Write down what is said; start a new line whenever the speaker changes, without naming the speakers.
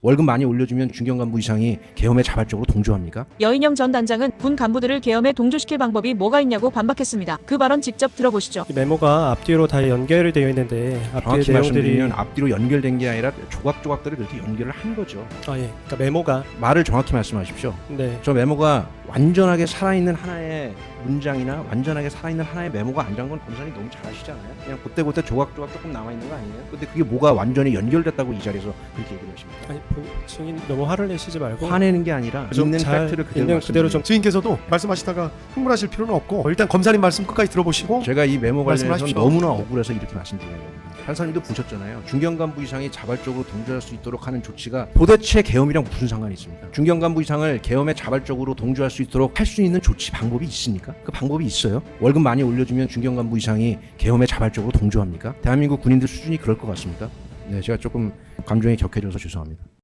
월급 많이 올려주면 중견 간부 이상이 계엄에 자발적으로 동조합니까?
여인영 전 단장은 군 간부들을 계엄에 동조시킬 방법이 뭐가 있냐고 반박했습니다. 그 발언 직접 들어보시죠.
이 메모가 앞뒤로 다 연결이 되어 있는데 앞뒤의
정확히
내용들이
말씀드리면 앞뒤로 연결된 게 아니라 조각조각들을 그렇게 연결을 한 거죠.
그러니까 메모가
말을 정확히 말씀하십시오.
네.
저 메모가 완전하게 살아있는 하나의 문장이나 완전하게 살아있는 하나의 메모가 아니란 건 검사님 너무 잘 아시잖아요. 그냥 그때그때 조각조각 조금 남아있는 거 아니에요? 근데 그게 뭐가 완전히 연결됐다고 이 자리에서 그렇게 얘기를 하십니까?
아니 증인 너무 화를 내시지 말고
화내는 게 아니라
좀
있는
잘
팩트를 그대로
있는 그대로 좀
증인께서도 말씀하시다가 흥분하실 필요는 없고 일단 검사님 말씀 끝까지 들어보시고
제가 이 메모 관련해서
말씀하십시오.
너무나 억울해서 이렇게 말씀드리는 겁니다. 판사님도 보셨잖아요. 중견 간부 이상이 자발적으로 동조할 수 있도록 하는 조치가 도대체 계엄이랑 무슨 상관이 있습니까? 중견 간부 이상을 계엄에 자발적으로 동조할 수 있도록 할 수 있는 조치 방법이 있습니까? 그 방법이 있어요? 월급 많이 올려주면 중견 간부 이상이 계엄에 자발적으로 동조합니까? 대한민국 군인들 수준이 그럴 것 같습니까? 네, 제가 조금 감정이 격해져서 죄송합니다.